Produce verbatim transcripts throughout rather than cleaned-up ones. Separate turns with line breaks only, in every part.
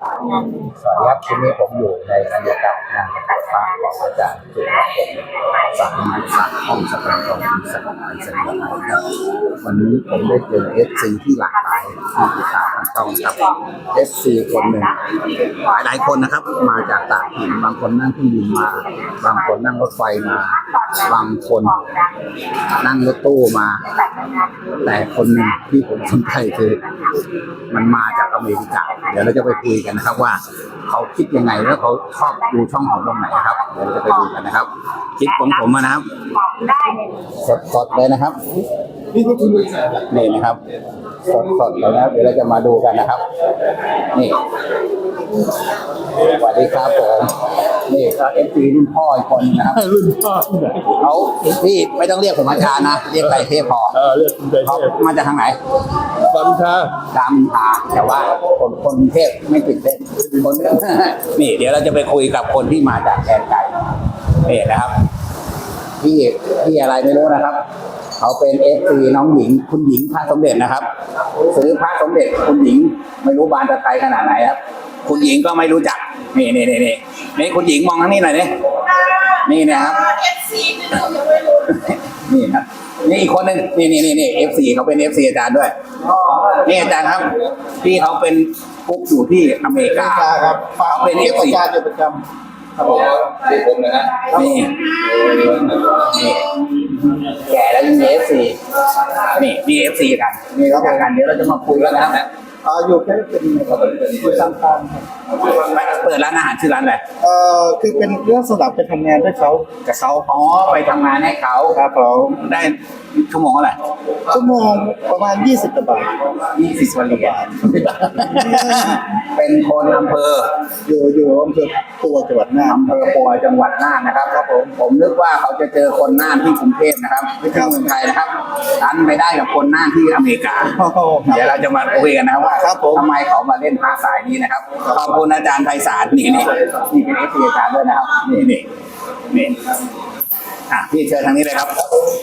สวัสดีครับทีนี้ผมอยู่ในบรรยากาศงานประกาศภาพของอาจารย์สุรพงศ์สามารถสามห้องสถานของที่สถานเสนอครับวันนี้ผมได้เจอเอฟซีที่หลากหลายที่ติดตามทางช่องครับเอฟซีคนหนึ่งหลายหลายคนนะครับมาจากต่างถิ่นบางคนนั่งเครื่องบินมาบางคนนั่งรถไฟมาบางคนนั่งรถตู้มา แต่คนหนึ่งที่ผมสนใจคือมันมาจากอเมริกาเดี๋ยวเราจะไปคุยกันนะครับว่าเขาคิดยังไงแล้วเขาชอบดูช่องของตรงไหนครับเดี๋ยวเราจะไปดูกันนะครับคลิปของผมนะครับสดๆเลยนะครับนี่นะครับสดๆเลยนะครับเดี๋ยวเราจะมาดูกันนะครับนี่สวัสดีครับผมนี่ก็เอฟซีรุ่นพ่ออีกคนนะครับรุ่นพ่อเขาพี่ไม่ต้องเรียกผมอาจารย์นะเรียกไก่เทพพอ
เออเรียกคุณไก่เทพ
มาจากทางไหน
ตามทา
ตามทาแต่ว่าคนคนเทพไม่ติดเล่นคนนี่เดี๋ยวเราจะไปคุยกับคนที่มาจากแดนไก่นี่นะครับพี่พี่อะไรไม่รู้นะครับเขาเป็นเอฟซีน้องหญิงคุณหญิงพระสมเด็จนะครับซื้อพระสมเด็จคุณหญิงไม่รู้บานจะไกลขนาดไหนครับคุณหญิงก็ไม่รู้จักนี่นี่นี่นี่นี่คุณหญิงมองทางนี้หน่อยดินี่นะครับเอฟซีนี่ครับนี่อีกคนหนึ่งนี่นี่นี่นี่เอฟซีเขาเป็นเอฟซีอาจารย์ด้วยนี่อาจารย์ครับพี่เขาเป็นกุ๊กอยู่ที่อเมริกา
ครับ
เขาเป็นเอฟซี
อาจารย์ประจำครับผม
นี่ผมนะฮะนี่นี่แก่แล้วยังมีเอฟซีนี่มีเอฟซีกันนี่แล้วกันเดี๋ยวเราจะมาคุยกันนะครับ
อ่าอยู่แค่เป็นอยู่ซัมตาม
เปิดร้านอาหารชื่อร้านอะไร
เอ่อคือเป็นเรื่องสำหรับไปทำงานด้วยเขากับเขา
อ๋อไปทำงานให้เขา
ครับผม
ได้ชั่วโมงเท่าไหร่
ชั่วโมงประมาณยี่สิบกว่าบาท
ยี่สิบวันเหรียญเป็นคนอำเภอ
อยู่อยู่อำเภอปัวจังหวัดน่าน
อำเภอปัวจังหวัดน่านนะครับครับผมผมนึกว่าเขาจะเจอคนน่านที่กรุงเทพนะครับที่เมืองไทยนะครับดันไปได้กับคนน่านที่อเมริกาเดี๋ยวเราจะมาคุยกันนะครับว่าทำไมเขามาเล่นหาสายนี้นะครับขอบคุณอาจารย์ไพศาลนี่นี่นี่เป็นเอฟซีอาจารย์ด้วยนะครับนี่นี่นี่อ่ะพี่เชิญทางนี้เลยครับ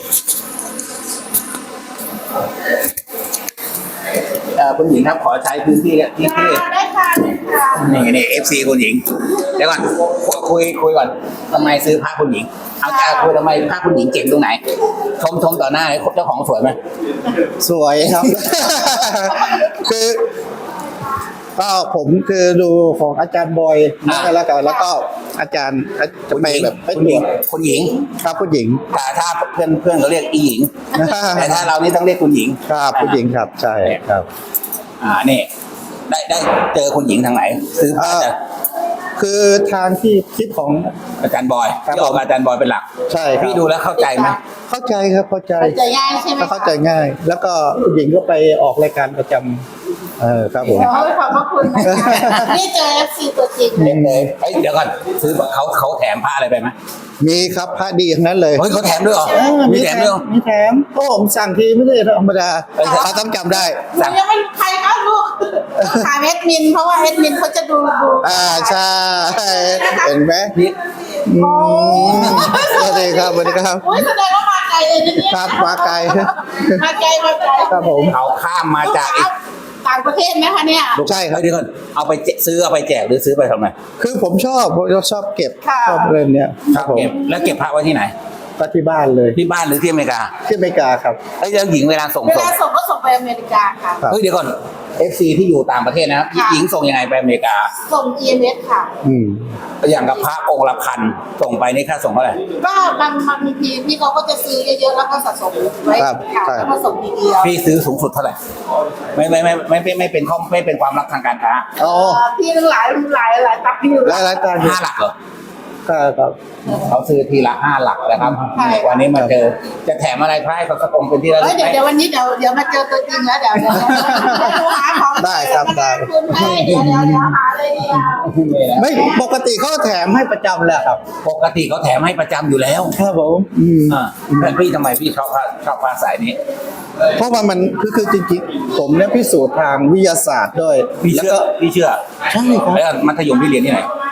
เอ่อคุณหญิงครับขอใช้พื้นที่ที่ที่
ได้ค่ะ
นี่นี่เอฟซีคุณหญิงเดี๋ยวก่อนคุยคุยก่อนทำไมซื้อผ้าคุณหญิงเอาใจคุยทำไมผ้าคุณหญิงเก่งตรงไหนชมชมต่อหน้าเจ้าของสวยไหม
สวยครับคือก็ผมคือดูของอาจารย์บอยแล้วกันแล้วก็อาจารย์จะไปแบบ
คุณหญิงคุณหญิง
ครับคุณหญิง
แต่ถ้าเพื่อนเพื่อนเขาเรียกอีหญิงแต่ถ้าเรานี่ต้องเรียกคุณหญิง
ครับคุณหญิงครับใช่ครับ
อ่านี่ได้ได้เจอคุณหญิงทางไหนซื้อผ้า
คือทางที่คลิปของ
อาจารย์บอยที่ออกอาจารย์บอยเป็นหลัก
ใช่ครับ
พี่ดูแล้วเข้าใจไหม
เข้าใจครับเข้าใจ
เข้าใจง่ายใช่ไหม
เข้าใจง่ายแล้วก็คุณหญิงก็ไปออกรายการประจำเออครับผม
ขอบพระคุณนี่เจอเอฟซีตัวจริง
เลยเฮ้ยเดี๋ยวก่อนซื้อเขาเขาแถมผ้าอะไรไปไหม
มีครับผ้าดีทั้งนั้นเลย
เฮ้ยเขาแถมด้วยเหรอ
มีแถมด้วยมีแถมก็ผมสั่งทีไม่ได้ธรรมดาเขาต้องจำได้
ยังไม่รู้ใครเขาลูกถามเอ็ดมินเพราะว่าเอ็ดมินเขาจะดูดู
อ่าใช่เห็นไหม
โอ้
สวัสดีครับสวัสดีครับ
โอ้ยแสดงว่ามาไกลเลยนี่
ครับมาไกล
มาไกลมาไกล
ครับผม
เขาข้ามมาจาก
ต่างประเทศไหมคะเนี่ย
ใช่ครับเดี๋ยวก่อนเอาไปซื้อเอาไปแจกหรือซื้อไปทำไม
คือผมชอบผมชอบเก็บชอบเล่นเนี้ย
ครับผมแล้วเก็บพระไว้ที่ไหน
ก็ที่บ้านเลย
ที่บ้านหรือที่อเมริกา
ที่อเมริกาครับ
ไอ้ยังหญิงเวลาส่ง
เวลาส่งก็ส่งไปอเมริกาค่ะ
เฮ้ยเดี๋ยวก่อน เอฟ ซี ที่อยู่ต่างประเทศนะครับหญิงส่งยังไงไปอเมริกา
ส่ง อี เอ็ม เอส ค่ะ
อืมอย่างกับพระองค์ละพันส่งไปนี่ค่าส่งเท่าไหร่
ก็บางบางทีพี่เขาก็จะซื้อเยอะๆแล้วก็สะสมไว้ค่ะแล้วก็ส่งทีเดียว
พี่ซื้อสูงสุดเท่าไหร่ไม่ไม่ไม่ไม่ไม่ไม่เป็นข้อไม่เป็นความลับทางการค้า
อ๋อพี่ทั้งหลายหลายหลายตับพี่
หลายหลายตับ
ห้าหลักเหรอ
ครับ
เขาซื้อทีละห้าหลักนะครับวันนี้มาเจอจะแถมอะไรให้เขาสักองเป็นที่
ระลึกเดี๋ยวเดี๋ยววันนี้เดี๋ยวเดี๋ยวมาเจอตัวจริงแล้วเดี๋ยวเดี๋ยวหาของ
ได้ครับได้
คุณให้เดี๋ยวเดี๋ยวเดี๋ยวหาเลยเดียว
ไม่ปกติเขาแถมให้ประจำแหละครับ
ปกติเขาแถมให้ประจำอยู่แล้ว
ครับผม
อืมอ่าแต่พี่ทำไมพี่ชอบผ้าชอบผ้าสายนี้
เพราะว่ามันคือคือจริงๆผมเนี่ยพิสูจน์ทางวิทยาศาสตร์ด้วย
พี่เชื่อพี่เชื่อ
ใช่ครับ
แล้วมัธยมพี่เรียนที่ไหน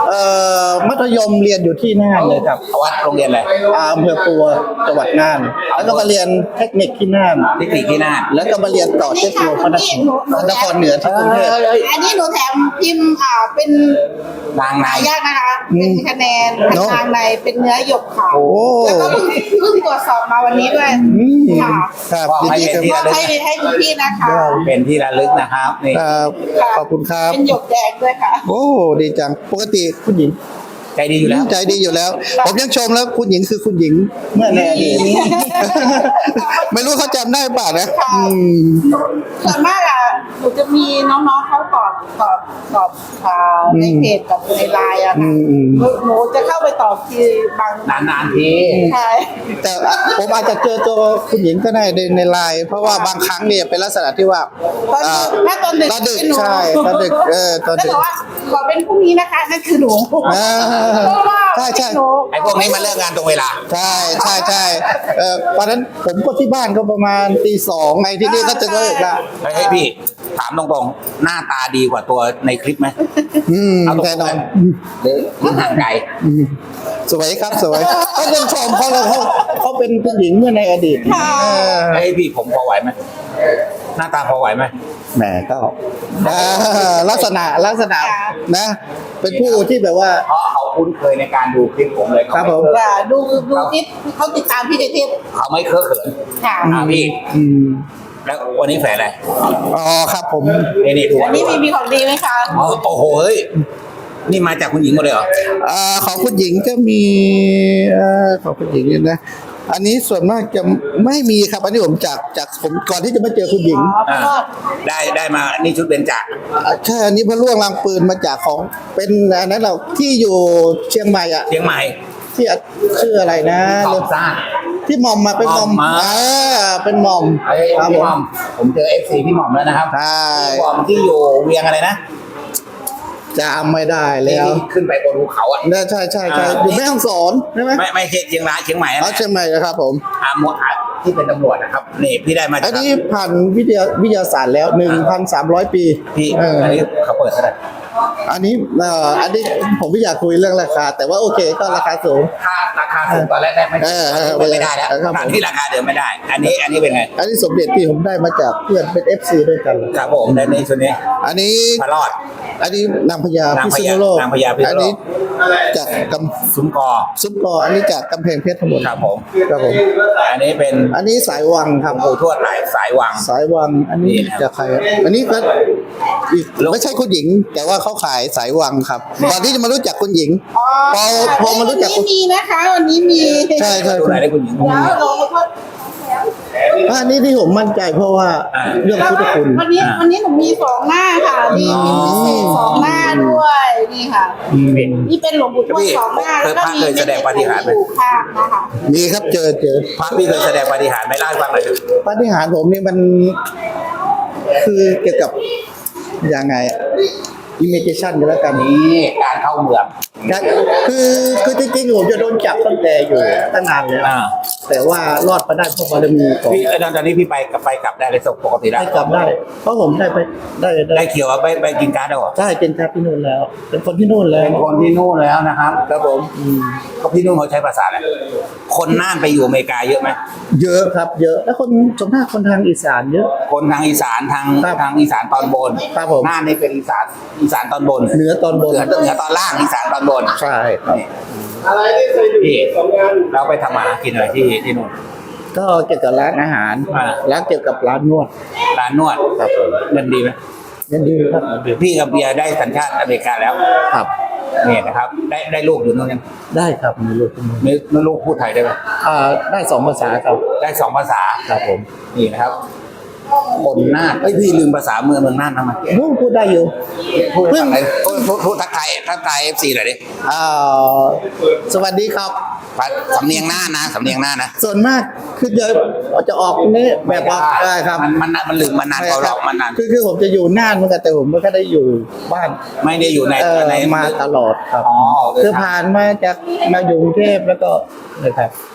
เอ่อมัธยมเรียนอยู่ที่น่านเลยครับ
วัดโรงเรียนอะไร
อาอำเภอปัวจังหวัดน่าน แล้วก็มาเรียนเทคนิคที่น่าน
เทคนิคที่น่าน
แล้วก็มาเรียนต่อเทคโนโลยีพระนครนครเหนือที่กรุงเทพ
อันนี้หนูแถมพิมพ์อ่าเป็น
นางใน
หายากนะคะ
อืม
เป็นคะแนน
เนอะ
ทางในเป็นเนื้อหยกขาว
โอ้
แล้วก็เพิ่งเพิ่งตรวจสอบมาวันนี้ด้วย
อืม
ค่ะ
ครับ
บอกให้
ยินดี
เป็น
ครับ
ที่
ให้ให้คุณพี่นะคะ
เป็นที่ระลึกนะครับนี่
ครับขอบคุณครับ
เป็นหยกแดงด้วยค่ะ
โอ้ดีจังปกติคุณหญิง
ใจดีอยู่แล้ว
ใจดีอยู่แล้ว ผมยังชมแล้วคุณหญิงคือคุณหญิงเมื่อในอดีตไม่รู้เขาจำได้เปล่านะอืม
ส่วนมากอ่ะหนูจะมีน้องๆเขาตอบตอบตอบอ่าในเพจกับในไลน์อะ
อื
ค่ะ
มอืม
หนูหนูจะเข้าไปตอบทีบาง
นานๆที
ใช่
แต่ผมอาจจะเจอตัวคุณหญิงก็ได้ในในไลน์เพราะว่าบางครั้งเนี่ยเป็นลักษณะที่ว่า
ตอน
อ่า
ถ้าตอนดึก
ตอนดึก
เป็นหนู
ใช่ตอนดึกเออตอนดึก
แล้วบอกว่าขอเป็นพรุ่งนี้นะคะนั่นคือหนู
อ่า
เพราะว่า
ใช่ใช่
เป็นหนู
ไอ้พวกนี้มาเลิกงานตรงเวลา
ใช่ใช่ใช่เออตอนนั้นผมก็ที่บ้านก็ประมาณตีสองไงที่นี่ก็จะเลิกละ
เฮ้ยพี่ถามตรงๆหน้าตาดีกว่าตัวในคลิปไหม
อืม
เอาตรงๆ
แน่นอน
หรือหรือห่างไกล
อืมสวยครับสวยเขาเป็นชมเขาเลยเขาเขาเป็นผู้หญิงเมื่อในอดีตเออ
เฮ้ยพี่ผมพอไหวไหมหน้าตาพอไหวไหม
แหมก็อ่าลักษณะลักษณะนะ เป็นผู้ที่แบบว่า
เพราะเขาคุ้นเคยในการดูคลิปผมเลย
ครับผม
ว่าดูดูคลิปเขาติดตามพี่ในเทพ
เขาไม่เคอะเขิน
ค่ะ
อ่าพี่
อืม
แล้ววันนี้แฝดอะไร
อ๋อครับผม
นี่นี่ดู
อันนี้มีมีของดีไหมคะ
อ๋อโอ้โหเฮ้ยนี่มาจากคุณหญิงหมดเลยเหรอ
อ่าของคุณหญิงก็มีเอ่อของคุณหญิงเนี่ยนะ อันนี้ส่วนมากจะไม่มีครับ อันนี้ผมจากจากผมก่อนที่จะมาเจอคุณหญิง
อ๋อเพราะว่า
ได้ได้มานี่ชุดเบญจ
อ่าใช่อันนี้พระล่วงรางปืนมาจากของเป็นอันนั้นเราที่อยู่เชียงใหม่อ่ะ
เชียงใหม่
ที่อ่ะชื่ออะไรนะ
ตอบซ่า
ที่หมอมมาเป็นหมอม
หม่อมมา
อ่าเป็นหมอม
เฮ้ย
ครับ
พี่
ผ
หม่อ
ม
มผมเจอเอฟซีพี่หม่อมแล้วนะครับ
ใช่
พี่หม่อมที่อยู่เวียงอะไรนะ
จำไม่ได้แล้ว
ที่ขึ้นไปบนภูเขาอ่ะ
น่าใช่ใช่ใช่
อ่า
อยู่แม่ฮ่องสอนใช่ไหม
ไม่ไม่ใช่เชียงรายเชียงใหม่นะ
อ๋อเชียงใหม่นะครับผม
อาหมวดที่เป็นตำรวจนะครับนี่พี่ได้มา
อั
จาก
นนี้ผ่านวิทยาวิทยาศาสตร์แล้วหนึ่งพันสามร้อยปี
พี่
เออ
อันนี้เขาเปิดเท่าไหร่
อันนี้เอ่ออันนี้ผมไม่อยากคุยเรื่องราคา แต่ว่าโอเคก็ราคาสูง
ค่าราคาสูงตอนแรกได้ไหม
เออเออ
ไม่ได้แล้ว
ครับผม
ตอนที่ราคาเดิมไม่ได้ อันนี้อันนี้เป็นไง
อันนี้สมเด็จที่ผมได้มาจากเพื่อนเป็น เอฟ ซี ด้วยกัน
ครับผมในในชุดนี้
อันนี้
พระรอด
อันนี้นางพญาน
าง
พิ
พ
ษ
ญา
ณุโลก
นางพญาพิษณุโลก
อันนี้จากก
ซุ้มกอ
ำซุปกออันนี้จากกำแพงเพชรทั้งหมด
ครับผม
ครับผม
อันนี้เป็น
อันนี้สายวังครับ
ปู่ทวดหลายสายวัง
สายวัง อันนี้
นี่นะครับ
จากใครอันนี้ก็อีก
ลูก
ไม่ใช่คุณหญิง แต่ว่าเขาขายสายวังครับก่อนที่จะมารู้จักคุณหญิง
อ๋อ
พอพอมารู้จัก
วันนี้มีนะคะวันนี้มี
ใช่ใช่
ดูไหนได้คุณหญิง
แล้วเราก็
อันนี้ที่ผมมั่นใจเพราะว่า
อ่า
เรื่องพุทธคุณ
วันนี้วันนี้หนูมีสองหน้าค่ะมีมีพิเศษสองหน้าด้วยนี่ค่ะ นี่เป็นหลวงปู่ทวดสองหน้าแล้วก็มี
เคยแสดงปาฏิหาริย์ไหม
อยู่ข้างนะคะ
มีครับเจอเจอ
พระพี่เคยแสดงปาฏิหาริย์ไหมเล่าให้ฟังหน่อยเถอะ
ปาฏิหาริย์ผมนี่มันคือเกี่ยวกับยังไงอิมเมจชันกันแล้วกัน
นี่การเข้าเมือง
คือคือจริงๆผมจะโดนจับตั้งแต่อยู่ตั้งนานแล้ว
อ่า
แต่ว่ารอดมาได้เพราะบารมีของ
พี่เอ้ยตอนนี้พี่ไปกลับไปกลับได้เลยปกติได้
ได้กลับได้ เพราะผมได้ไปได้
ได้เขียวว่าไปไปกินการ์ดแล้วเหรอ
ได้เป็นชาติที่นู่นแล้ว เป็นคนที่นู่นแล้ว
เป็นคนที่นู่นแล้วนะครับครับผม
อืม
เขาพี่นู่นเขาใช้ภาษาอะไรคนน่านไปอยู่อเมริกาเยอะไหม
เยอะครับ เยอะแล้วคนส่วนมากคนทางอีสานเยอะ
คนทางอีสานทาง
ครับ
ทางอีสานตอนบน
ครับผม
น่านนี่เป็นอีสานอีสานตอนบน
เหนือตอนบน
เหนือเหนือตอนล่างอีสานตอนบน
ใช่ครับ
นี่พี่เราไปทำมาหากินอะไรที่ที่นู่น
ก็เกี่ยวกับร้านอาหาร
อ่า
ร้านเกี่ยวกับร้านนวด
ร้านนวด
ครับผม
เงินดีไหม
ยันดีครับ
พี่กับเบียร์ได้สัญชาติอเมริกาแล้ว
ครับ
นี่นะครับ ได้ได้ลูกอยู่นู่นยัง
ได้ครับมีลูกคนหนึ่ง
ไม่ไม่ลูกพูดไทยได้ไหม
อ่าได้สองภาษาครับ
ได้สองภาษา
ครับผม
นี่นะครับคนน่านเอ้ยพี่ลืมภาษาเมืองเมืองน่านทำไม
พูดพูดได้อยู่
พูด
เพิ่ง
อะไรพูดพูดพูดทักทายทักทายเอฟซีหน่อยดิ
อ่าสวัสดีครับ
สำเนียงน่านนะสำเนียงน่านนะ
ส่วนมากคือจะจะออกนี้แบบว่าได้ครับ
มันมันมันลืมมานานกว่าเรามันนาน
คือคือผมจะอยู่น่านเหมือนกันแต่ผมไม่ค่อยได้อยู่บ้าน
ไม่ได้อยู่ใน
เออ
ใน
มาตลอดครับ
อ๋อ
คือผ่านมาจากมาอยู่กรุงเทพแล้วก็เลยครับ
ครับ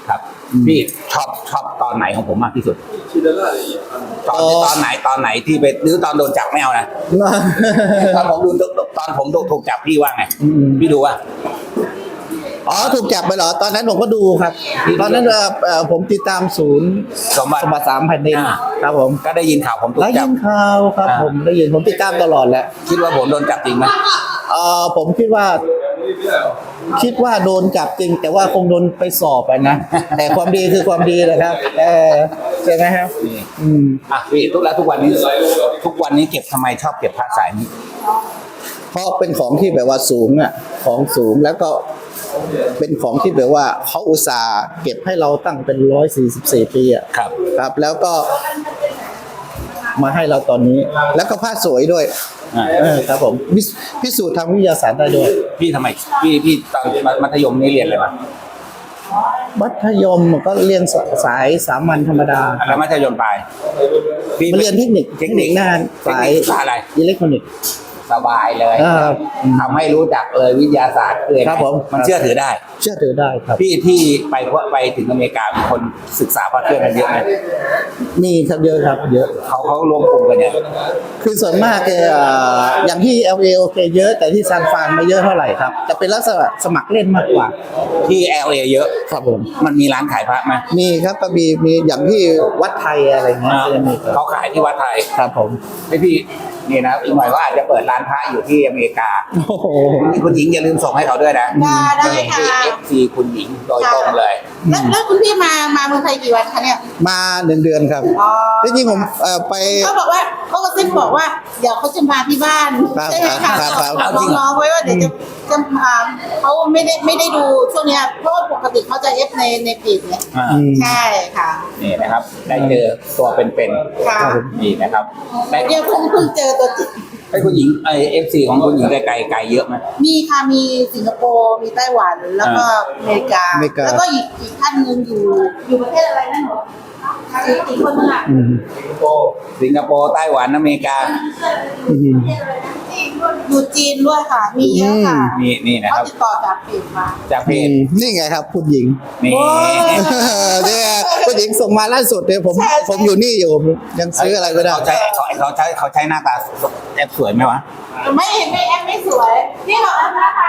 พี่ชอบชอบตอนไหนของผมมากที่สุดตอนตอนไหนตอนไหนที่ไปหรือตอนโดนจับไม่เอานะตอนผมดูตอนผมถูกจับพี่ว่าไงพี่ดูว่า
อ๋อถูกจับไปเหรอตอนนั้นผมก็ดูครับ ตอนนั้นเอ่อเอ่อผมติดตามศูนย์
สมบัติ
สมบัติสามแผ่นดิน
อ่า
ครับผม
ก็ได้ยินข่าวผมถู
ได้
กจั
ยิ
บ
นข่าวครับ
อ่า
ผมได้ยินผมติดตามตลอดแหละ
คิดว่าผมโดนจับจริงไหม
เอ่อผมคิดว่า คิดว่าโดนจับจริง แต่ว่าคงโดนไปสอบไปนะ แต่ความดีคือความดีนะครับเออใช่ไหมครับ
นี่
อืม
อ่ะพี่ทุกแล้วทุกวันนี้ทุกวันนี้เก็บทำไมชอบเก็บผ้าสายนี้
เพราะเป็นของที่แบบว่าสูงอ่ะของสูงแล้วก็เป็นของที่แบบว่าเขาอุตส่าห์เก็บให้เราตั้งเป็นร้อยสี่สิบสี่ปีอ่ะ
ครับ
ครับ แล้วก็มาให้เราตอนนี้ แล้วก็ผ้าสวยด้วย
อ่า
เออครับผมพิสพิสูจน์ทางวิทยาศาสตร์ได้ด้วย
พี่ทำไมพี่พี่ตอนมัธยมนี่เรียนอะไรมา
มัธยมก็เรียนสายสามัญธรรมดา
แล้วมัธยมปลายพี่
มาเรียนเทคนิค
เทคนิค
งานสาย
สายอะไร
อิเล็กทรอนิกส์
สบายเลย
อ่า
ทำให้รู้จักเลยวิทยาศาสตร์เลย
ครับผม
มันเชื่อถือได้
เชื่อถือได้ครับ
พี่ที่ไปไปถึงอเมริกามีคนศึกษาพระเครื่องกันเยอะไหม
มีครับเยอะครับเยอะ
เขาเขารวมกลุ่มกันเนี่ย
คือส่วนมากเอ่ออย่างที่ แอล เอ โอเคเยอะแต่ที่ซานฟรานไม่เยอะเท่าไหร่ครับจะเป็นลักษณะสมัครเล่นมากกว่า
ที่ แอล เอ เยอะ
ครับผม
มันมีร้านขายพระไหม
มีครับก็มีมีอย่างที่วัดไทยอะไรเงี้ย
อ่า
ก็จะมีครับ
เขาขายที่วัดไทย
ครับผม
ให้พี่นี่นะอีกหน่อยก็อาจจะเปิดร้านพระอยู่ที่อเมริกา
โอ้โห
คุณหญิงอย่าลืมส่งให้เขาด้วยนะ
ได้ได้ค่ะ
เอฟซีคุณหญิงโดยตรงเลย
แล้วแล้วคุณพี่มามาเมืองไทยกี่วันคะเนี่ย
มาหนึ่งเดือนครับ
อ๋อ
ที่จริงผมเอ่อไป
เขาบอกว่าเขาก็ซิบบอกว่าเดี๋ยวเขาจะมาที่บ้าน
ครับ
ใช่ไหมคะ
ครับครับ
บอกน้องๆไว้ว่าเดี๋ยวจะจะมาเขาไม่ได้ไม่ได้ดูช่วงเนี้ยเพราะว่าปกติเขาจะเอฟในในเพจเนี่ย
อ่า
อืม
ใช่ค่ะ
นี่นะครับ ได้เจอตัวเป็น
ค่ะ
ๆนี่นะครับได้
เดี๋ยวเพิ่งเพิ่งเจอตัวจริง
ให้คุณหญิงไอเอฟซีของคุณหญิงไกลๆไกลเยอะไหม
มีค่ะมีสิงคโปร์มีไต้หวันแล้วก็อเมริกา
อเมริกา
แล้วก็อีกอีกท่านหนึงอยู่อยู่ประเทศอะไรนั่นหรออีกอีกคนนึงอ่ะ
อืม
สิงคโปร์ไต้หวันอเมริกา
อืม
อยู่จีนด้วยค่ะ มีเยอะค่ะ
นี่นี่นะค
เขา
รับ
ติดต่อจากเพจมา
จากเพ
อื
จ
มนี่ไงครับคุณหญิง
นี่
โอ้ย
เนี่ยคุณหญิงส่งมาล่าสุดเนี่ยผม
ใช่ใช่
ผมอยู่นี่อยู่ผมยังซื้ออะไรไม่ได้
เขาใช้เขาเขาใช้เขาใช้หน้าตาแอบสวยไหมวะ
ไม่ไม่แอปไม่สวยนี่บอกแล้วนะคะ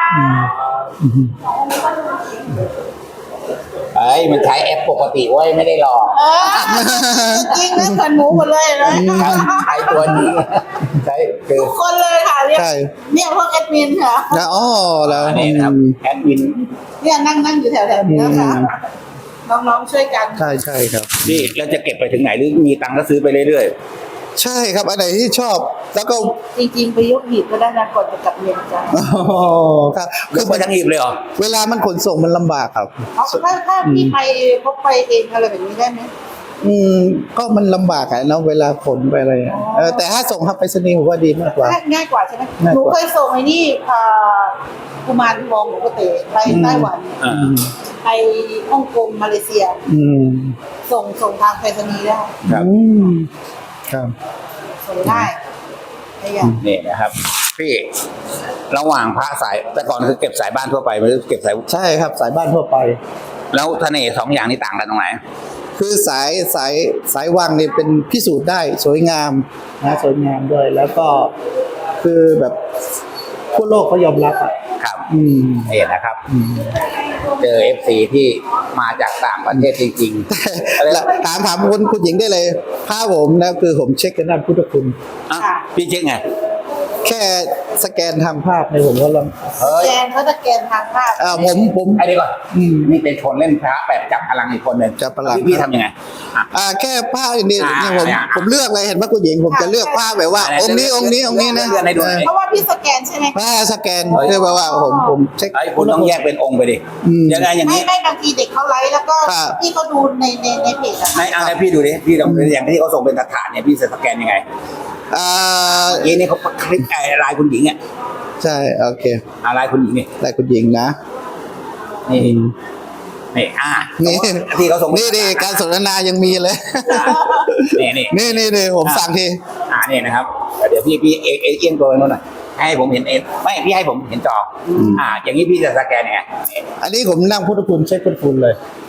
เอ้ยมันใช้แอปปกติเว้ยไม่ได้หลอก
เออจริงนะเหมือนหมูหมดเลยเลย
ใช้ตัวนี้ใช้คือ
ทุกคนเลยค่ะเรียก
ใช่
เนี่ยพวกแอดมินค่ะ
นะอ๋อแล้ว
อันนี้นะครับแอดมิน
เนี่ยนั่งนั่งอยู่แถวๆนี้นะคะน้องๆช่วยกัน
ใช่ใช่ครับ
นี่แล้วจะเก็บไปถึงไหนหรือมีตังค์ก็ซื้อไปเรื่อย
ใช่ครับอันไหนที่ชอบ แล้วก็
จริงๆไปยกหีบก็ได้นะก่อนจะกลับเรียนจ้ะ
อ๋อครับ
ๆ
คื
คือ อไปทั้งหีบเลยเหรอ
เวลามันขนส่งมันลำบากครับ
เอาถ้าถ้าพี่ไปพกไปเองอะไรแบบนี้ได้ไหม
อืมก็มันลำบากอะเนาะเวลาขนไปอะไรอะเออแต่ถ้าส่งครับไปรษณีย์ผมว่าดีมากกว่า
ง่ายง่ายกว่าใช่ไหม
ง่าย
หนู
กว่า
เคยส่งไอ้นี่อ่ากุมารทองหลวงปู่เต๋ไปไต้หวัน
อ่า
อืม
ไปฮ่องกงมาเลเซีย
อืม
ส่งส่งทางไปรษณีย์ได้
ครับ
อืมครับ
ส่งได้ไอ้อย่าง
นี่นะครับ พี่ระหว่างพระสายแต่ก่อนคือเก็บสายบ้านทั่วไปไม่ได้เก็บสาย
ใช่ครับสายบ้านทั่วไป
แล้วเสน่ห์สองอย่างนี้ต่างกันตรงไหน
คือสายสายสายวังเนี่ยเป็นพิสูจน์ได้สวยงามนะสวยงามด้วย แล้วก็คือแบบทั่วโลกเขายอมรับอ่ะ
ครับ
อืม
นี่นะครับ
อืม
เจอเอฟซีที่มาจากต่างประเทศจริงๆอะไร
แล้วถามถามคุณคุณหญิงได้เลยผ้าผมนะคือผมเช็คกันด้านพุทธคุณ
อ่ะพี่เช็คไง
แค่สแกนทางภาพในยผมก็ลอง
เฮ้ย
แกนเขาจะแกนทางภาพ
อ่าผมผม
ไอ้นี่ก่อน
อืม
นี่เป็นคนเล่นพระแบบจับพลังอีกคนหนึ่ง
จับพลัง
พี่พี่ทำยังไงอ่ะ
อ่าแค่ผ้าเนี่ย
อ่า
เนี่ยผม
อ่า
ผมเลือกเลยเห็นไหมคุณหญิงผมจะเลือกผ้าแบบว่า
อ่า
องค์นี้องค์นี้องค์นี้นะ
เลือกให้ดูหน่อย
เพราะว่าพี่สแกนใช่ไหม
ผ้าสแกนเรียกว่าผมผมเช็ค
ไอ้ยคุณต้องแยกเป็นองค์ไปดิ
อืม
ยังไงอย่าง
ไม่
นี้
ไม่บางทีเด็กเขาไลฟ์แล้วก็
ครับ
พี่เขาดูในในในเพจอะ
ในอะไรพี่ดูดิพี่ลองอย่างที่เขาส่งเป็นฐานเนี่ยพี่สแกนยังไง
อ่า
เมื่อกี้นี่เขาคลิกไอ้ลายคุณหญิงอ่ะ
ใช่โอเค
อ่ะลายคุณหญิงนี่
ได้คุณหญิงนะ
นี่นี่อ่า
นี่
ที่เขาส่ง
นี่นี่การสนทนายังมีเลย
นี่นี่
นี่นี่นี่ผมสั่งที
อ่านี่นะครับเดี๋ยวพี่พี่เอเอเอียงตัวไปโน่นหน่อยให้ผมเห็นเองไม่พี่ให้ผมเห็นจออ่า อย่างนี้พี่จะสแกนยังไง
อันนี้ผมนั่งพุทธคุณเช็คพุทธคุณเลย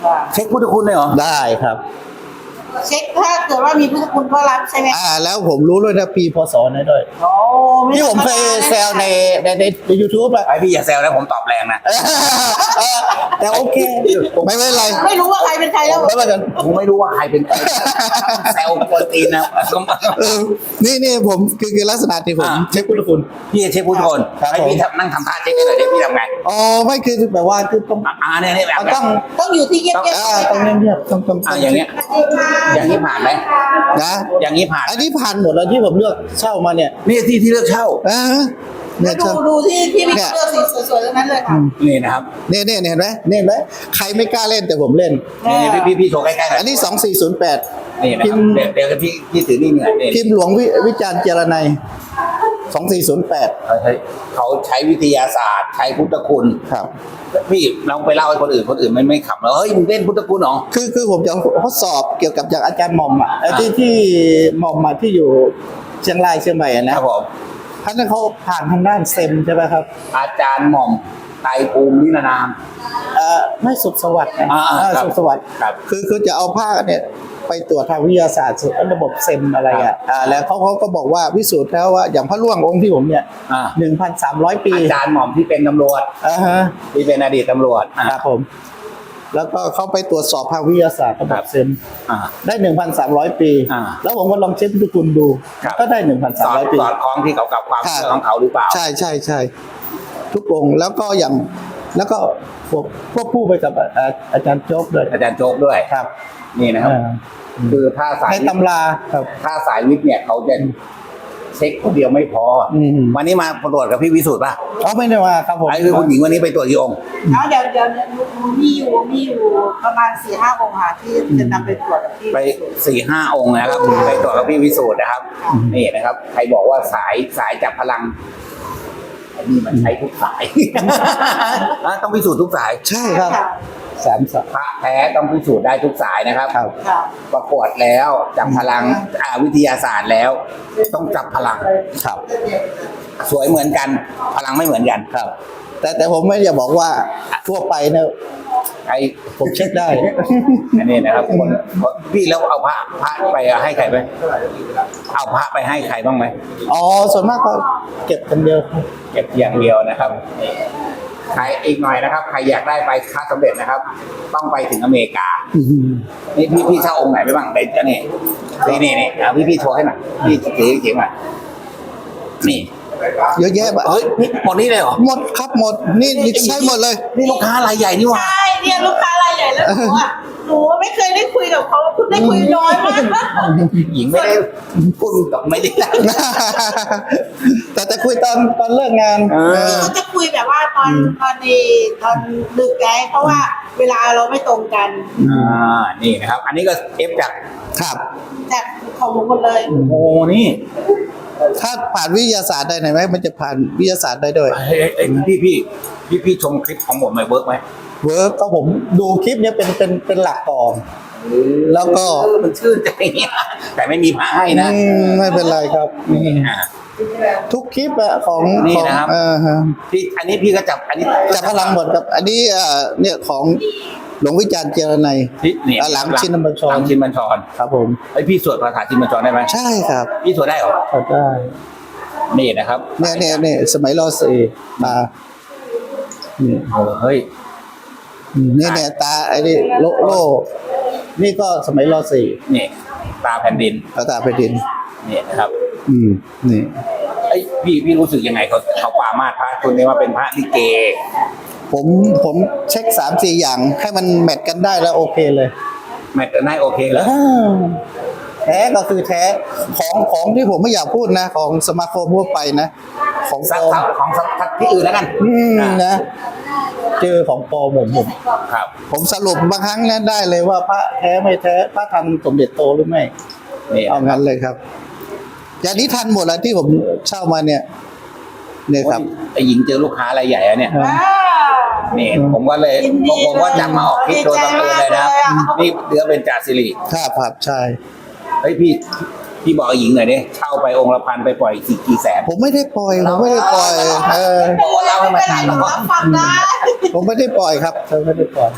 เช็คพุทธคุณเลยเหรอ
ได้ครับ
เช็คถ้าเกิดว่ามีพุทธคุณก็รับใช่ไหม
อ่าแล้วผมรู้ด้วยนะปีพศไหนด้วย
โอ้ไ
ที่ผมเคยแซวในในในในยูทูบอะ
ไอพี่อย่าแซวนะผมตอบแรงนะ
แต่โอเค ไม่เป็นไร
ไม่รู้ว่าใครเป็นใครแล้ว
ไม่เป็นไร
ผมไม่รู้ว่าใครเป็นใครแซวคนตีนนะ
เออนี่นี่ผมคือคือลักษณะที่ผม
อ่า
เช็คพุทธคุณ
พี่เช็คพุทธคุณ
ครับ
ให้พี่ทำนั่งทำท่าเช็คให้หน่อยดิพี่ทำไง
อ๋อไม่คือแบบว่าคือต้อง
อ่าเนี่ยเนี่ยแบบ
เอาต้อง
ต้องอยู่ที่เงียบ
อ่าต้องเงียบๆต้องต้อง
อ่าอย่างเงี้ยอย่างนี้ผ่านไหม
นะ
อย่างนี้ผ่าน
อันนี้ผ่านหมดแล้วที่ผมเลือกเช่ามาเนี่ย
นี่ที่ที่เลือกเช่า
อ่า
ๆ
เนี่ย
ดู
เช่า
ดูที่ที่มี
เนี่ย
เลือกสีสวยๆทั้งนั้นเลยค่ะ
นี่นะครับ
เนี่ยเนี่ยเห็นไหมเนี่ยเห็นไหมใครไม่กล้าเล่นแต่ผมเล่น
นี่นี่พี่พี่พี่โชว์ใกล้ๆหน่อย
อันนี้สองสี่ศูนย์แปด
นี่นะ
พิ
ค
ม
รับ
พ์
เดี๋ยวเดี๋ยวพี่พี่ถือนี่เหนื่อยนี่
พิมพ์หลวงวิวิจารณ์เจรนัยสองสี่ศูนย์แปด
เขาใช้เขาใช้วิทยาศาสตร์ ใช้พุทธคุณ
ครับ
พี่เราไปเล่าให้คนอื่นคนอื่นไม่ไม่ขำแล้วเฮ้ยมึงเล่นพุทธคุณเหรอ
คือคือผมจะทดสอบเกี่ยวกับจากอาจารย์หม่อมอ่ะไอ้ที่ที่หม่อมมาที่อยู่เชียงรายเชียงใหม่อะ
ค
นะ
รับผม
ท่านนั้นเขาผ่านทางด้านเซมใช่ไหมครับ
อาจารย์หม่อมไตรภูมินิรนาม
เอ่อไม่สุขสวัสดิ์นะ
อ่าๆ
เออ
ครับ
สุขสวัสดิ์
ครับ
คือคือจะเอาผ้าเนี่ยไปตรวจทางวิทยาศาสตร์ระบบเซมอะไรอ่ะอ่าแล้วเขาเขาก็บอกว่าพิสูจน์แล้วว่าอย่างพระร่วงองค์ที่ผมเนี่ย
อ่า
หนึ่งพันสามร้อยปี
อาจารย์หม่อมที่เป็นตำรวจ
อ่าฮะ
ที่เป็นอดีตตำรวจอ่า
ครับผม แล้วก็เขาไปตรวจสอบทางวิทยาศาสตร์ระบบเซม
อ่า
ได้หนึ่งพันสามร้อยปี
อ่า
แล้วผมก็ลองเช็คทุกคุณดู
ครับ
ก็ได้หนึ่งพัน
ส
สาม
อด
ร้อยปี
สอดคล้องที่เขากับความ
ครับ
เชื่อของเขาหรือเปล่า
ใช่ใช่ใช่ทุกองค์แล้วก็อย่างแล้วก็ควบควบคู่ไปกับอ่าอาจารย์โจ๊กด้วย
อาจารย์โจ๊กด้วย
ครับ
นี่นะครับ
อ่า
คือถ้าสาย
ในตำราครับ
ถ้าสายวิทย์เนี่ยเขาจะเช็คคนเดียวไม่พออ
ม
วันนี้มาตรวจกับพี่วิสุทธ์ป่ะ
เอาไม่ได้ว่าครับผม
ไอ้คือคุณหญิงวันนี้ไปตรวจกี่องค์
แล้วเดี๋ยวเดี๋ยวมีอยู่มีอยู่ประมาณสี่ห้าองค์ค่ะที่จะนำไปตรวจที่
ไปสี่ห้าองค์นะครับไปตรวจกับพี่วิสุทธ์นะครับ นี่นะครับ ใครบอกว่าสายสายจับพลังไอ้นี่มันใช้ทุกสาย อ่ะต้องพิสูจน์ทุกสาย
ใช่ครับ
ค่ะ
สามสาม
พระแท้ต้องพิสูจน์ได้ทุกสายนะครับ
ครับ
ค่ะ
ประกวดแล้วจับพลังอ่าวิทยาศาสตร์แล้ว ต้องจับพลัง
ครับ
สวยเหมือนกัน พลังไม่เหมือนกัน
ครับ แต่แต่ผมไม่จะบอกว่าทั่วไปเนี่ย
ไอ้
ผมเช็คได้
อันนี้นะครับคนพี่แล้วเอาพระพระไปให้ใครไหมเอาพระไปให้ใครบ้างไหม
อ๋อส่วนมากก็เก็บกันเดียวครับ
เก็บอย่างเดียวนะครับนี่ใครอีกหน่อยนะครับ ใครอยากได้ไปค้าสำเร็จนะครับ ต้องไปถึงอเมริกา นี่พี่พี่เช่าองค์ไหนไปบ้างเด็ดจะนี่นี่นี่นี่เอาพี่พี่โชว์ให้หน่อยพี่ถือเขียนมานี่
เยอะแยะแบบ
เฮ้ยนี่หมดนี่เลยเหรอ
หมดครับหมดนี่นี่ใช่หมดเลย
นี่ลูกค้ารายใหญ่นี่หว่า
ใช่เนี่ยลูกค้ารายใหญ่แล้วหนูอ่ะหนูไม่เคยได้คุยกับเขาเพิ่งได้คุยน้อยมาก
หญิงไม่ได้พูดกับไม่ได้
แต่แต่คุยตอนตอนเลิกงาน
เออ
เขาจะคุยแบบว่าตอนตอนดีตอนดึกไงเพราะว่าเวลาเราไม่ตรงกัน
อ่านี่นะครับ อันนี้ก็เอฟจาก
ครับ
จากของหนูหมดเลย
โอ้โหนี่
ถ้าผ่านวิทยาศาสตร์ได้ไหมมันจะผ่านวิทยาศาสตร์ได้ด้วย
เอ้ยเอ้ยพี่พี่พี่พี่ชมคลิปของผมไหมเวิร์กไหม
เวิร์กก็ผมดูคลิปเนี้ยเป็นเป็นเป็นหลักก่อน แล้วก็
เออมันชื่นใจเนี่ยแต่ไม่มีพระให้นะ
อืมไม่เป็นไรครับอืม
อ่า
ทุกคลิปอะของ
นี่
ของ
นะครับ
เออฮะ
พี่อันนี้พี่ก็จับอันนี้
จับพลังหมดครับ อันนี้เอ่อเนี่ยของหลวงวิจารณ์เจรนัย
พี่เนี่ย
หลังชินบัญชร
หลังชินบัญชร
ครับผม
ไอยพี่สวดคาถาชินบัญชรได้ไหม
ใช่ครับ
พี่สวดได้เหรอ
ก็ได้
นี่นะครับ
เนี่ยเนี่ยเนี่ยสมัยรอสี่มานี่
เออเฮ้ย
นี่เนี่ยตาไอ้นี่โลโลนี่ก็สมัยรอสี่
นี่ตาแผ่นดิน
ตาตาไปดิน
นี่นะครับ
อืมนี่
ไอยพี่พี่รู้สึกยังไงเขาเขาปรามาสพระคุณนี้ว่าเป็นพระลิเก
ผมผมเช็คสามสี่อย่างให้มันแมทกันได้แล้วโอเคเลย
แมทกันได้โอเคแล้ว
อ้าวแท้ก็คือแท้ของของที่ผมไม่อยากพูดนะ ของสมาคมทั่วไปนะ ของป
สัก
ลอม
สักของสักสักที่อื่นแล้วกัน
อืม
อ่า
นะ เจอของปลอมผมผม
ครับ
ผมสรุปบางครั้งนั้นได้เลยว่าพระแท้ไม่แท้พระทันสมเด็จโตหรือไม่
นี่
เอางั้นเลยครับ อย่างนี้ทันหมดแล้วที่ผมเช่ามาเนี่ยเนี่ยครับ
ไอหญิงเจอลูกค้ารายใหญ่อะเนี่ย
ว้า
นี่ผมก็เลย
ยินดี
ผมผมว่าจะมาออกคลิปโดยบังเอิญเลยนะครับ
ดีใจมากเลยอะ
นี่เดือเป็นจ่าสิริ
ครับครับใช่
เฮ้ยพี่พี่บอกไอ้หญิงหน่อยดิเช่าไปองค์ละพันไปปล่อยกี่กี่แสน
ผมไม่ได้ปล่อยผมไม่ได้ปล่อย เออ
บอกว่าเราให้มา
ไม่เป็นไร
ถ่าย
หนูรับฟังได้
ผมไม่ได้ปล่อยครับผมไม่ได้ปล่อย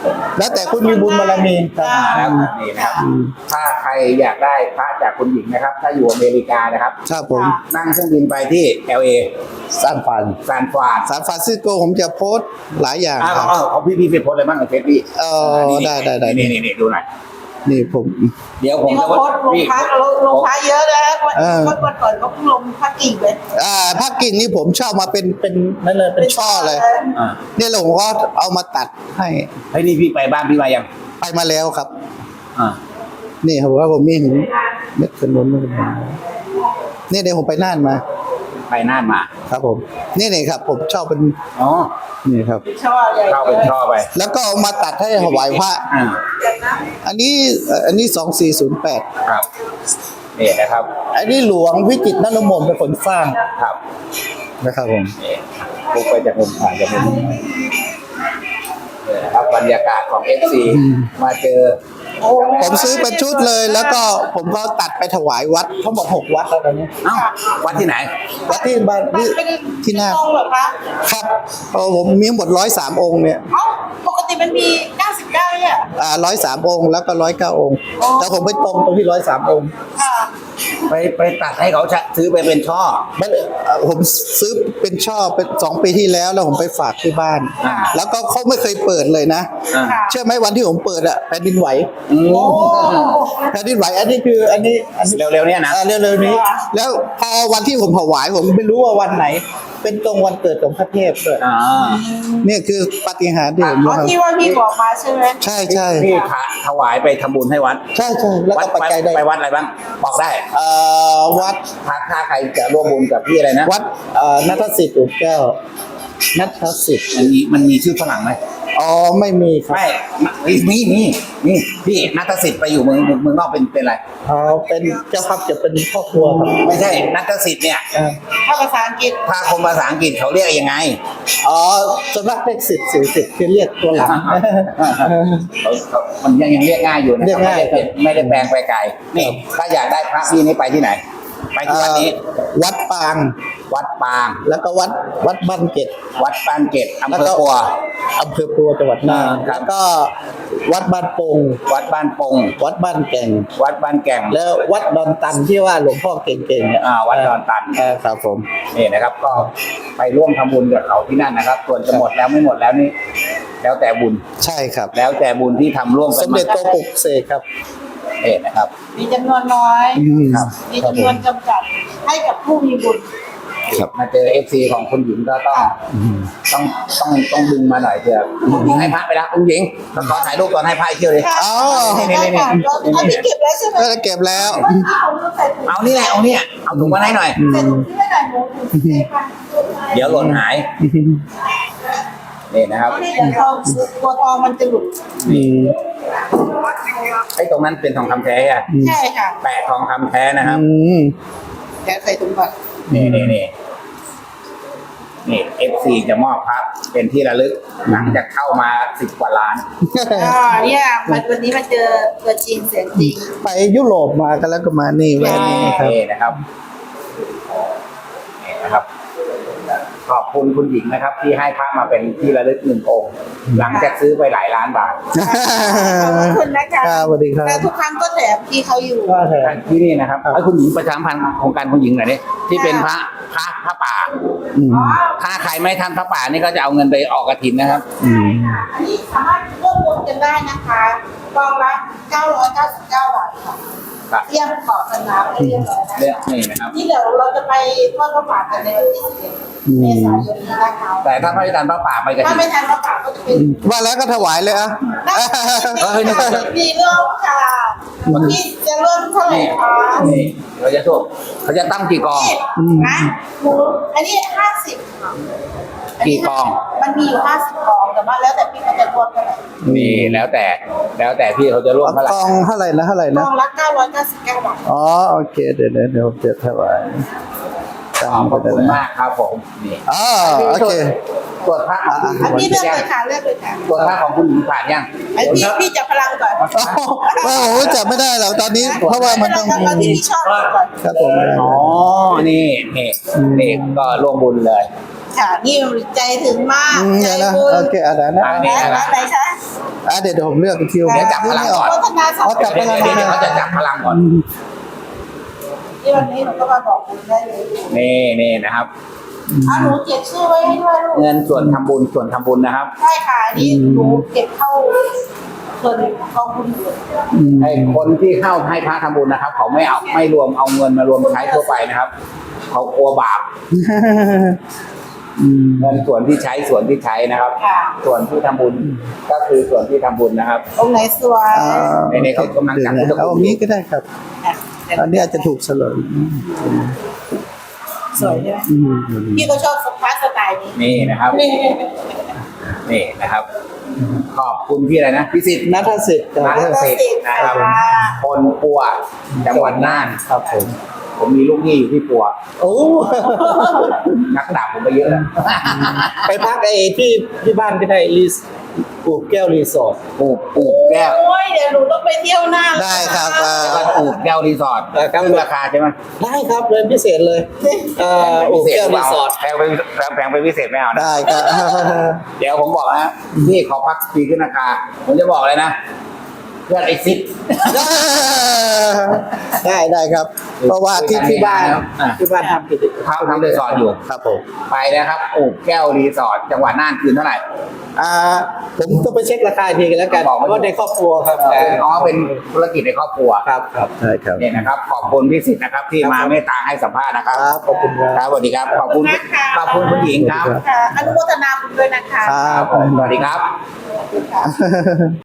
แล้วแต่คุณมีบุญบารมีครับ
อ่า
แล้วนี่นะครับถ้าใครอยากได้พระจากคุณหญิงนะครับ ถ้าอยู่อเมริกานะครับ
ครับผม
นั่งเครื่องบินไปที่ แอล เอ
ซานฟราน
ซานฟราน
ซานฟรานซิสโกผมจะโพสต์หลายอย่าง
อ้าว
ครับ
เอาเอาพี่พี่ไปโพสต์อะไรบ้างในเฟซพี่
เออ
นี่
ได้ได้ได้
นี่นี่นี่ดูหน่อย
นี่ผม
เดี๋ยวผม
นี่
จะ
เขาโพสต์ลง
พี่
พักลงลงพักเยอะนะวัน
เออ
วันก่อนเขาเพิ่งลงพักกิ่งเลย
อ่าภาคกิ่งนี่ผมชอบมาเป็นเป็นนั่นเลยเป็นช่อเลย
อ่า
เนี่ยผมก็เอามาตัดให้
เฮ้ยนี่พี่ไปบ้านพี่มายัง
ไปมาแล้วครับ
อ่า
นี่ผมว่าผมมีหินเม็ดขนุนนี่เดี๋ยวผมไปน่านมา
ไปน่านมา
ครับผม นี่นี่ครับ ผมชอบเป็น
อ๋อ
นี่ครับ
ชอบใหญ่
เข้าเป็นช่อไป
แล้วก็เอามาตัดให้ถวายพระ
อ่า
อันนี้เอ่ออันนี้สองสี่ศูนย์แปด
ครับนี่นะครับ
อันนี้หลวงวิจิตรนรมนเป็นคนสร้าง
ครับ
นะครับผม
นี่ลุกไปจากมุมผ่านจากมุมนี่นะครับบรรยากาศของ เอฟ ซี มาเจอ
ผมซื้อเป็นชุดเลย แล้วก็ผมก็ตัดไปถวายวัดทั้งหมดหกวัดแล้วตอนนี้
เอ้าวัดที่ไหน
วัดที่บ้าน
มัน
ที่
เป็น
ที่น่าน
ตรงเหรอคะ
ครับเออผมมีทั้งหมดร้อยสามองค์เนี่ย
เอ้าปกติมันมีเก้าสิบเก้าเนี่ย
อ่าร้อยสามองค์แล้วก็ร้อยเก้าองค์
อ๋อ
แต่ผมไปตรงตรงที่ร้อยสามองค์
ค่ะ
ไปไปตัดให้เขาชะซื้อไปเป็นช่อ
ไม่เอ่อผมซื้อเป็นช่อเป็นสองปีที่แล้วแล้วผมไปฝากที่บ้าน
อ่า
แล้วก็เขาไม่เคยเปิดเลยนะ
อ่า
ค่ะ
เชื่อไหมวันที่ผมเปิดอะแผ่นดินไหว
อืม
โอ้
แผ่นดินไหวอันนี้คืออันนี้อันนี้
เร็วๆเนี่ยนะ
อ่าเร็วๆนี้ แล้วพอวันที่ผมถวายผมไม่รู้ว่าวันไหน เป็นตรงวันเกิดของพระเทพด้วย
อ่า
เนี่ยคือปาฏิหาริย์ที่ผม
อ๋อ
รู้ครับ
ที่ว่าพี่บอกมาใช่ไหม
ใช่ใช่
พี่พระถวายไปทำบุญให้วัด
ใช่ใช่แล้วก็ปัจจัยได้
ไปวัดอะไรบ้างบอกได้
เอ่อวัด
ถ้าถ้าใครจะร่วมบุญกับพี่อะไรนะ
วัดเอ่อนัทสิทธิ์อุดแก้วนัทสิทธิ์
มันมีมันมีชื่อฝรั่งไหม
อ๋อไม่มีครับ
ไม่มีมีมีพี่นัทสิทธิ์ไปอยู่เมืองเมืองเมืองนอกเป็นเป็นอะไร
อ๋อเป็นเจ้าภาพจะเป็นครอบครัวครับ
ไม่ใช่นัทสิทธิ์เนี่ย
อ่า
ถ้าภาษาอังกฤษ
ถ้าคนภาษาอังกฤษเขาเรียกยังไง
อ๋อส่วนมากเลขสิทธิ์สี่สิบคือเรียกตัวหลัง
เขาเขามันยังยังเรียกง่ายอยู่นะ
เรียกง่าย
ไม่ได้ไม่ได้แปลงไปไกลนี่ถ้าอยากได้พระพี่นี่ไปที่ไหน ไปที่วัดนี้
เอ่อวัดปาง
วัดปาง
แล้วก็วัดวัดบ้านเกต
วัดปานเกตอำ
แล้ว
เภอ
ก็
ปัว
อำเภอปัวจังหวัดน่าน
ครับ
แล้วก็วัดบ้านปง
วัดบ้านปง
วัดบ้านแก่ง
วัดบ้านแก่ง
แล้ววัดดอนตันที่ว่าหลวงพ่อเก่งๆเนี่ย
อ่าวัดดอนตัน
เออครับผม
นี่นะครับ ก็ไปร่วมทำบุญกับเขาที่นั่นนะครับ ส่วนจะหมดแล้วไม่หมดแล้วนี่แล้วแต่บุญ
ใช่ครับ
แล้วแต่บุญที่ทำร่วมกั
ส
น
มเด็จโตปลุกเสกครับ
นี่นะครับ
มีจำนวนน้อย
อืม
ครับ
มีจำนวนจำกัดให้กับผู้มีบุญ
ครับ
มาเจอเอฟซีของคุณหญิงก็ต้อง
อืม
ต้องต้องต้องดึงมาหน่อยเถอะคุณหญิงให้พระไปแล้วคุณหญิงขอถ่ายรูปตอนให้พระอีกเที่ยวเลย
อ๋อ
ได้ค่ะเราอันนี้เก็บแล้วใช่ไหม
ก็เก็บแล้ว
ว่าที่ผมใส่ถุง
เอานี่แหละเอาเนี่ยเอาถุงมาให้หน่อย
ใส่ถุงที่ไม่ได้หนูถุงที่ค่ะ
เดี๋ยวหล่นหายนี่นะครับ
เดี๋ยวทองตัวทองมันจะหลุด
อืม
ไอ้ตรงนั้นเป็นทองคำแท้อะ
ใช่ค่ะ
แปะทองคำแท้นะครับ
อืม
เดี๋ยวใส่ถุงก่อน
นี่นี่นี่นี่เอฟซีจะมอบพระเป็นที่ระลึกหลังจากเข้ามาสิบกว่าล้าน
อ่าเนี่ยมันวันนี้มาเจอตัวจริงเสียงจริง
ไปยุโรปมากันแล้วก็มานี่แวะนี่ครับ
นี่นะครับนี่นะครับ ขอบคุณคุณหญิงนะครับ ที่ให้พระมาเป็นที่ระลึกหนึ่งองค์ หลังจากซื้อไปหลายล้านบาท
ขอบคุณนะคะ
ครับสวัสดีครับ
แต่ทุกครั้งก็แถมที่เขาอยู่
ก็แถม
ที่นี่นะครับให้คุณหญิงประชาสัมพันธ์โครงการคุณหญิงหน่อยนี่ที่เป็นพระพระพระป่า
อืม
ถ้าใครไม่ทำพระป่านี่ก็จะเอาเงินไปออกกฐินนะครับ
อืม
อันนี้สามารถร่วมบุญกันได้นะคะกองละเก้าร้อยเก้าสิบเก้าบาทค่ะ
ครับ
เตรียมขอสนามไปเรียบร้อย
เรื่
แล้
อ
ว
งนี่นะครับ
นี่เดี๋ยวเราจะไปทอดพระป่ากันในวันที่สิบเอ็ดเมษายนนี้นะคะ
แต่ถ้าไม่ทำพระป่าไปก
ถ้า
ฐิน
ไม่ทันพระป่าก็จะเป็น
ว่าแล้วก็ถวายเลยอ่ะ
มีเรื่องค่ะพี่จะเริ่มเท่าไหร่
นี่
คะ
นี่เขาจะถูกเขาจะตั้งกี่กอง
นี่นะหนูอันนี้ห้าสิบค่ะ
กี่กอง
มันมีอยู่ห้าสิบกองแต่ว่าแล้วแต่พี่เขาจะรวมเท่าไหร่
มีแล้วแต่ แล้วแต่พี่เขาจะร่วมเท่าไหร่
กองเท่าไหร่นะเท่าไหร่
ก
นะ
องละเก้าร้อยเก้าสิบเก้าบาท
อ๋อโอเคเดี๋ยวเดี๋ยวเดี๋ยวผมจะถวาย
ขอบคุณมากครับผมนี่
อ๋อโอเค
ตรวจพระของคุณหญิ
อัน
ง
นี้เลือก
ยั
เล
ง
ยค่ะเลือกเลยค่ะ
ตรวจพระของคุณหญิงผ่านยัง
ไอพี่พี่จับพลังก่อน
โอ้โหจับไม่ได้หรอกตอนนี้ เพราะว่ามันต้อง
เอาที่พี่ชอบก่อน
ครับผม
อ๋อ นี่นี่นี่ก็ร่วมบุญเลย
ค่ะนี่ใจถึงมาก
อืม
ใจ
เดี๋ยวนะ
บุญ
โอเคอะไรนะ
อันนี้
และ
นะ
ร้านไหนคะ
อ่ะเดี๋ยวเดี๋ยวผมเลือกคิว
เดี๋ยวจับพลังก่อน
โฆษณาสอง
อ๋อจับพ
เดี๋ยว
ลัง
เดี๋ยวเดี๋ยวเขาจะจับพลังก่อน
ที่วันนี้หนูก็มาบอกบุญได้เลย
นี่นี่นะครับ
เอาหนูเก็บชื่อไว้ให้ด้วยลูก
เงินส่วนทำบุญส่วนทำบุญนะครับ
ใช่ค่ะนี่หนูเก็บเข้าส่วนกองบุญอยู่
ไอ้คนที่เข้าให้พระทำบุญนะครับ เขาไม่เอาไม่รวมเอาเงินมารวมใช้ทั่วไปนะครับ เขากลัวบาป
อืม
เงินส่วนที่ใช้ส่วนที่ใช้นะครับ
ค่ะ
ส่วนที่ทำบุญก็คือส่วนที่ทำบุญนะครับ
ตรงไหนสวย
อ่า
ในนี้เขากำลังจัดพุทธคุณ
เอาอันนี้ก็ได้ครับ
ค่ะ
อันนี้อาจจะถูกเฉลย
สวยใช่ไหม
อืม
พี่ก็ชอบสปาสไตล์นี้
นี่นะครับ นี่นะครับ ขอบคุณพี่อะไรนะพี่สิทธิ์
นัทสิทธิ์
นัทสิทธิ์นะครับ คนปัวจังหวัดน่าน
ครับผม
ผมมีลูกหนี้อยู่ที่ปัว
โอ้
นักดาบผมไปเยอะแล้ว
ไปพักไอ้ที่ที่บ้านก็ได้รีสปลูกแก้วรีสอร์ท
ปลูกปลูกแก้ว
โอ้ยเดี๋ยวหนูต้องไปเที่ยวหน้า
ได้ครับ
แล้วก็ปลูกแก้วรีสอร์ท
เออครับ
ขึ้นราคาใช่ไหม
ได้ครับเลยพิเศษเลยเอ่อปลูกแก้วรีสอร์ท
แพงไปแพงแพงไปพิเศษไม่เอานะ
ได้ครับ
เดี๋ยวผมบอกนะพี่ขอพักปีขึ้นราคา ผมจะบอกเลยนะ เพื่อนไอซิด
ได้ได้ครับ เพราะว่าที่ที่บ้าน
อ่ะ
ที่บ้านทำกิจกรรม
เขาทำรีสอร์ทอยู่
ครับผม
ไปนะครับปลูกแก้วรีสอร์ทจังหวัดน่านคืนเท่าไหร่
อ่าผมต้องไปเช็คราคาอีกทีกันแล้วกัน
บอก
เพราะว่าในครอบครัวครับ
อ๋อเป็นธุรกิจในครอบครัว
ครับครับใช่ครับ
เนี่ยนะครับ ขอบคุณพี่สิทธิ์นะครับ ที่มาเมตตาให้สัมภาษณ์นะครับ
ครับขอบคุณครับ
ครับสวัสดีครับขอบคุณขอบคุณคุณหญิงครับ
ค่ะอนุโมทนาบุญด้วยนะคะ
ครับ
ผมสวัสดีครับ
ขอบคุณค่ะ